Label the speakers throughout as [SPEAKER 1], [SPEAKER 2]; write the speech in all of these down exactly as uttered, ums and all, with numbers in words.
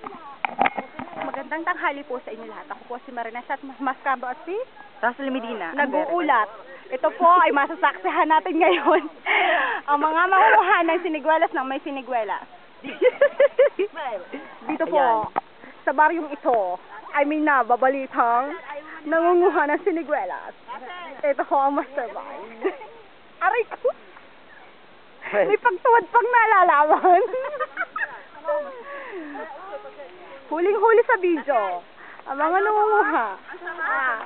[SPEAKER 1] Magandang tanghali po sa inyo lahat. Ako po si Marinas at Mascabo at si
[SPEAKER 2] Russell Medina.
[SPEAKER 1] Nag-uulat. Ito po ay masasaksihan natin ngayon. Ang mga mangunguha ng siniguelas ng may siniguelas. Dito po,
[SPEAKER 2] Ayan.
[SPEAKER 1] sa baryong ito, ay may nababalitang nangunguha ng siniguelas. Ito po ang mastermind. Aray ko! May pagtuwad pang nalalaman. Huling-huli sa video. Ang mga nangunguha. Ah.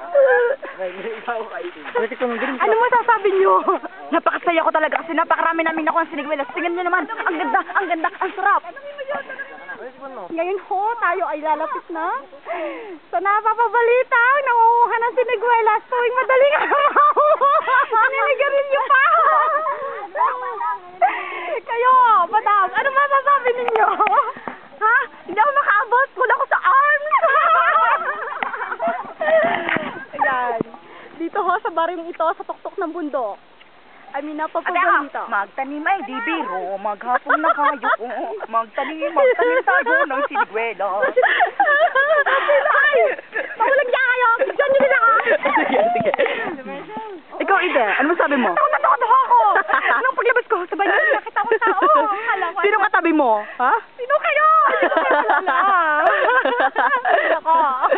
[SPEAKER 1] Ano masasabi nyo?
[SPEAKER 2] Napakasaya ko talaga kasi napakarami namin nakuha ng siniguelas. Tingnan nyo naman, ang ganda, ang ganda, ang sarap.
[SPEAKER 1] Ngayon ho, tayo ay lalapit na sa napapabalita nangunguha ng siniguelas tuwing madaling araw. Naninigarilyo pa. Kayo, madam, ano masasabi ninyo? Ha? Hindi ako makaabot. Wala ko sa arm. Ayan. Dito ho, sa baryong ito, sa tuktok ng bundok. I mean, napapabalita.
[SPEAKER 2] Magtanim ay di biro, maghapon na kayo. Magtanim, magtanim tayo ng siniguelas.
[SPEAKER 1] Ay! Mahulag niya kayo! Bigyan niyo nila ha!
[SPEAKER 2] Sige, sige. Ikaw, Ide, ano masabi mo?
[SPEAKER 1] Takot na takot ako! Nung paglabas ko, sabay na nakita ko tao. Akala ko,
[SPEAKER 2] Sino katabi mo? Ha?
[SPEAKER 1] Sino kayo? Hindi ko kayo wala. Ako.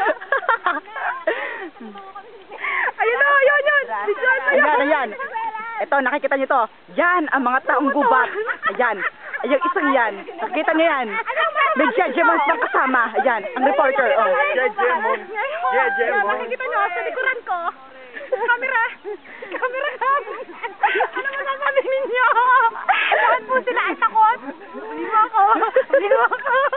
[SPEAKER 1] Ayun na, ayun, yun. Bigyan na
[SPEAKER 2] Ayan, ayan. Ito, nakikita niyo to. Yan, ang mga taong gubat. Ayan. Ay, yung isang yan. Nakikita niyo yan. May judgments ng kasama. Ayan, ang reporter. Oh.
[SPEAKER 3] Judgment. Judgment.
[SPEAKER 1] Nakikita niyo, sa likuran ko. Camera. Camera ka. Ano masasabi ninyo? Lahat po sila ay takot. Hindi mo ako. Hindi mo ako.